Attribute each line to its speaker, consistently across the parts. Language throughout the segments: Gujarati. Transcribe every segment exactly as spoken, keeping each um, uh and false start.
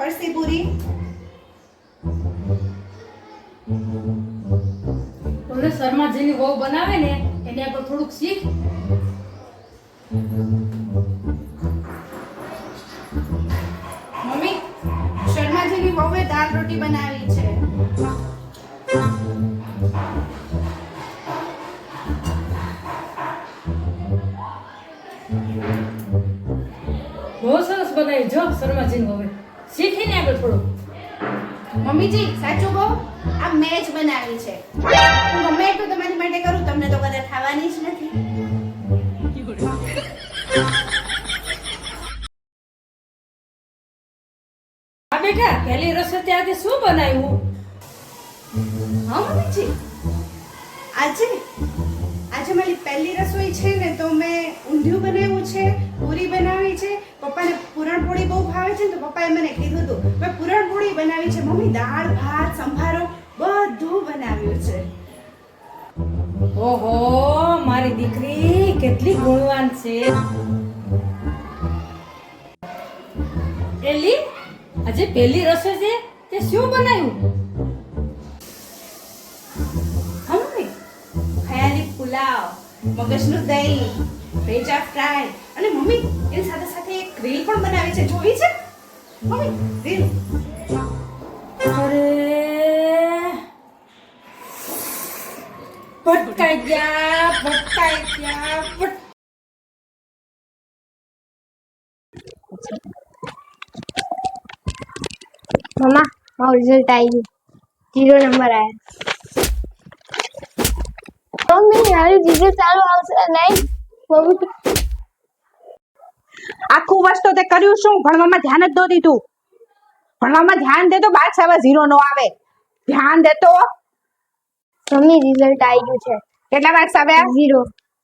Speaker 1: ફરસી પૂરી,
Speaker 2: ઓલે શર્માજીની વહુ બનાવે ને એને આગળ થોડુંક શીખ.
Speaker 1: મમ્મી શર્માજીની વહુએ દાળ રોટી બનાવી છે.
Speaker 2: બહુ સરસ બનાવી જો શર્માજીની વહુએ. શીખીને આગળ થોડુંક.
Speaker 1: મમ્મીજી સાચું કહું, આ મેં જ બનાવી છે. હું ગમે એટલું તમારી માટે કરું, તમને તો કદાચ ખાવાની જ નથી.
Speaker 2: આ બેટા પહેલી રસોઈ આજે શું બનાવ્યું?
Speaker 1: હા મમ્મીજી, આજે આજે મારી પહેલી રસોઈ છે ને, તો મેં ઊંધિયું બનાવ્યું છે, પૂરી બનાવી છે. પપ્પાને પૂરણપોળી બહુ ભાવે છે ને, તો પપ્પાએ મને કીધું હતું મેં પૂરણપોળી બનાવી છે. મમ્મી દાળ ભાત સંભારો બધું બનાવ્યું છે.
Speaker 2: ઓહો, મારી દીકરી કેટલી ગુણવાન છે. એલી આજે પહેલી રસોઈ છે તે શું બનાવ્યું?
Speaker 1: હા મમ્મી, ખયાલી પુલાવ, મગજનું દહીં, ભેજા ફ્રાય અને મમ્મી એની સાથે સાથે એક રીલ પણ બનાવી છે. જોઈ છે મમ્મી રીલ?
Speaker 2: અરે ભટકાઈ ગયા ભટકાઈ ગયા ભટ-
Speaker 3: મમ્મા મારું રિઝલ્ટ આવી ગયું, જીરો નંબર આવ્યા. મમ્મી મારું રિઝલ્ટ સારું આવશે નહીં? મમ્મી
Speaker 1: આખું વર્ષ તો તે કર્યું શું? ભણવામાં ધ્યાન જ ન દીધું. ભણવામાં ધ્યાન દે તો બાદ સાવા ઝીરો નો આવે. ધ્યાન દે તો.
Speaker 3: મમ્મી રિઝલ્ટ આવી ગયું છે,
Speaker 1: કેટલા માર્ક્સ આવ્યા?
Speaker 3: ઝીરો.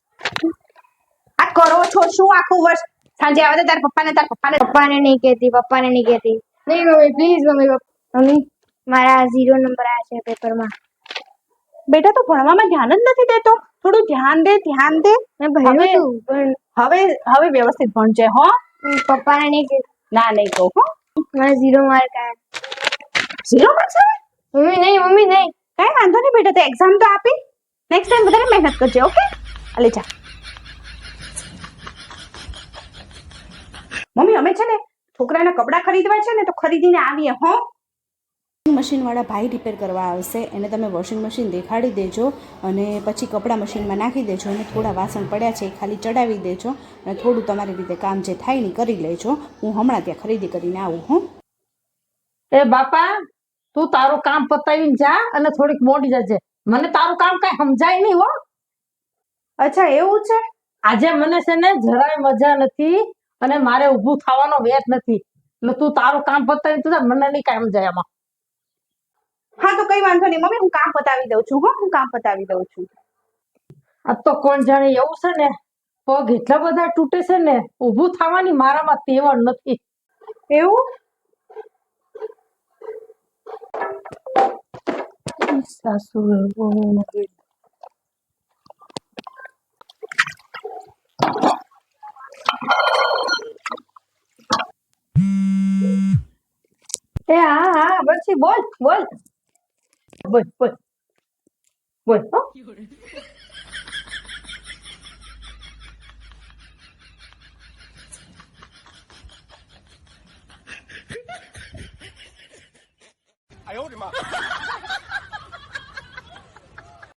Speaker 1: આ કરો છો શું આખું વર્ષ? સાંજે આવે તો તાર પપ્પાને તાર પપ્પાને
Speaker 3: પપ્પાને નહીં કહેતી, પપ્પાને નહીં કહેતી. નહીં મમ્મી પ્લીઝ મમ્મી. મમ્મી મારા ઝીરો નંબર આવ્યા છે પેપરમાં.
Speaker 1: બેટા તો ભણવામાં ધ્યાન જ નથી દેતો. થોડું ધ્યાન દે, ધ્યાન દે.
Speaker 3: મેં ભણ્યું
Speaker 1: હવે-
Speaker 3: હતું પણ
Speaker 1: હવે હવે વ્યવસ્થિત ભણજે હો.
Speaker 3: પપ્પાને નહીં કહેતી.
Speaker 1: ના નહીં કહું હો.
Speaker 3: મારા ઝીરો માર્ક આવ્યા.
Speaker 1: ઝીરો માર્ક્સ આવે?
Speaker 3: મમ્મી નહીં, મમ્મી નહીં.
Speaker 1: કઈ વાંધો નહીં બેટા, તે એક્ઝામ તો આપી. નેક્સ્ટ ટાઈમ વધારે મહેનત કરજે. ઓકે, અલે જા. મમ્મી અમે છે ને છોકરાના કપડાં ખરીદવા છે ને, તો ખરીદીને આવીએ હો. મશીન વાળા ભાઈ રિપેર કરવા આવશે, એને તમે વોશિંગ મશીન દેખાડી દેજો અને પછી કપડાં મશીનમાં નાખી દેજો અને થોડા વાસણ પડ્યા છે એ ખાલી ચડાવી દેજો અને થોડું તમારી રીતે કામ જે થાય ને કરી લેજો. હું હમણાં ત્યાં ખરીદી કરીને આવું હો.
Speaker 4: એ બાપા, તું તારું કામ પતાવીને જા અને થોડીક મોડી જજે. મને તારું કામ કઈ સમજાય નહીં હો.
Speaker 1: અચ્છા એવું છે?
Speaker 4: આજે મને છે ને જરાય મજા નથી અને મારે ઊભું થવાનો વેત નથી. એટલે તું તારું કામ પતાવીને તું જા, મને નહીં કઈ સમજાય આમાં.
Speaker 1: હા તો કઈ વાંધો નહીં મમ્મી, હું કામ પતાવી દઉં છું હો. હું કામ પતાવી દઉં છું.
Speaker 4: આ તો કોણ જાણે એવું છે ને, પગ એટલા બધા તૂટે છે ને, ઊભું થવાની મારામાં તેવડ નથી.
Speaker 1: એવું?
Speaker 4: સાસુ એ હા હા બસી બોલ બોલ બોલ બોલ બોલ હો.